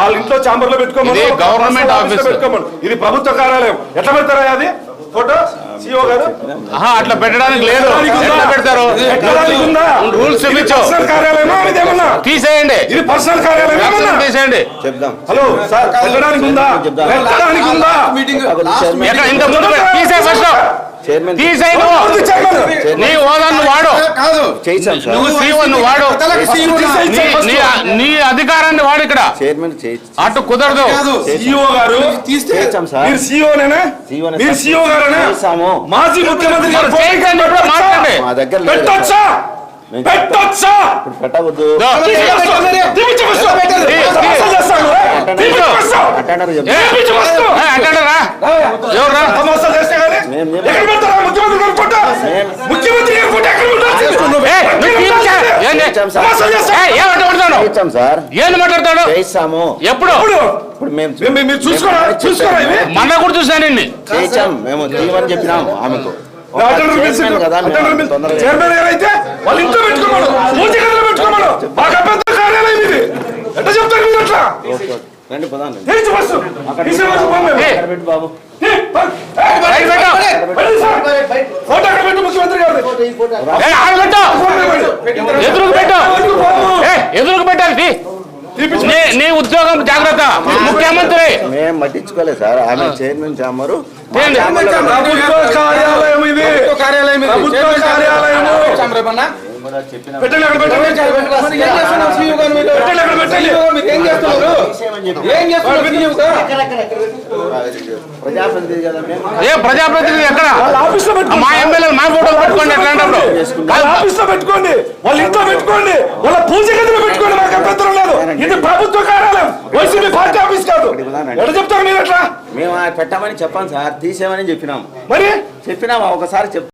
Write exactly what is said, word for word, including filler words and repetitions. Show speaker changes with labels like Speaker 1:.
Speaker 1: వాళ్ళ ఇంట్లో ఛాంబర్ లో పెట్టుకోమని
Speaker 2: గవర్నమెంట్ ఆఫీస్
Speaker 1: పెట్టుకోమని ఇది ప్రభుత్వ కార్యాలయం ఎట్లా పెడతారా అది ఫోటో సిఓ గారు
Speaker 2: అట్లా పెట్టడానికి లేదు ఎట్లా పెడతారు రూల్స్
Speaker 1: కార్యాలయమా ఇదేమన్నా
Speaker 2: తీసేయండి
Speaker 1: ఇది పర్సనల్ కార్యాలయం
Speaker 2: తీసేయండి
Speaker 3: చెప్దాం
Speaker 1: హలో సార్ పెట్టడానికి ఉందా పెట్టడానికి ఉందా
Speaker 2: ఎక్కడ ఇంత ముందు తీసే ఫస్ట్ తీసేయి నీ హోదాను వాడు నువ్వు సీఓ నువ్వు వాడు నీ అధికారాన్ని వాడు ఇక్కడ అటు కుదరదు
Speaker 1: సిఓ గారు మీరు సిఓనేనా మీరు సిఓ గారేనా మాజీ ముఖ్యమంత్రి గారు
Speaker 2: మాట్లాడండి
Speaker 1: పెట్టొచ్చా పెట్టొచ్చా
Speaker 3: పెట్టవద్దు
Speaker 2: అంటారా ఎవరు
Speaker 1: ముఖ్యమంత్రి
Speaker 2: ఏంది మాట్లాడతాడు ఎప్పుడు
Speaker 1: మీరు చూసుకోరా చూసుకోరా
Speaker 2: మన కూడా చూసానండి
Speaker 3: మేము తీయమని చెప్పినాము ఆమెకు
Speaker 1: చైర్మన్ గారు అయితే వాళ్ళ ఇంట్లో పెట్టుకోమను పూజ గదిలో పెట్టుకోమను మాకు అభ్యంతర కార్యాలయం ఇది ఎట్లా చెప్తారు మీరు అట్లా
Speaker 3: రండి పదాన్ని
Speaker 1: బాబు
Speaker 2: ఫోటో పెట్టు ముఖ్యమంత్రి గారు ఎదురుకు పెట్టు ఎదురుకు పెట్టాలి నీ ఉద్యోగం జాగ్రత్త ముఖ్యమంత్రి
Speaker 3: మేము పట్టించుకోలేదు సార్ ఆమె చైర్మన్ చామరు
Speaker 1: కార్యాలయం ఇది కార్యాలయం
Speaker 2: ప్రజాప్రతినిధి ఎక్కడ మా ఎమ్మెల్యే మా ఫోటోలు పెట్టుకోండి
Speaker 1: ఆఫీస్ లో పెట్టుకోండి వాళ్ళ ఇంట్లో పెట్టుకోండి వాళ్ళ పూజ గదిలో పెట్టుకోండి మాకు అభ్యంతరం లేదు ఇది ప్రభుత్వ కార్యాలయం వైసీపీ పార్టీ ఆఫీస్ కాదు ఎట్లా చెప్తారు మీరు ఎట్లా
Speaker 3: మేము పెట్టమని చెప్పాను సార్ తీసేమని చెప్పినాము
Speaker 1: మరి
Speaker 3: చెప్పినాము ఒకసారి చెప్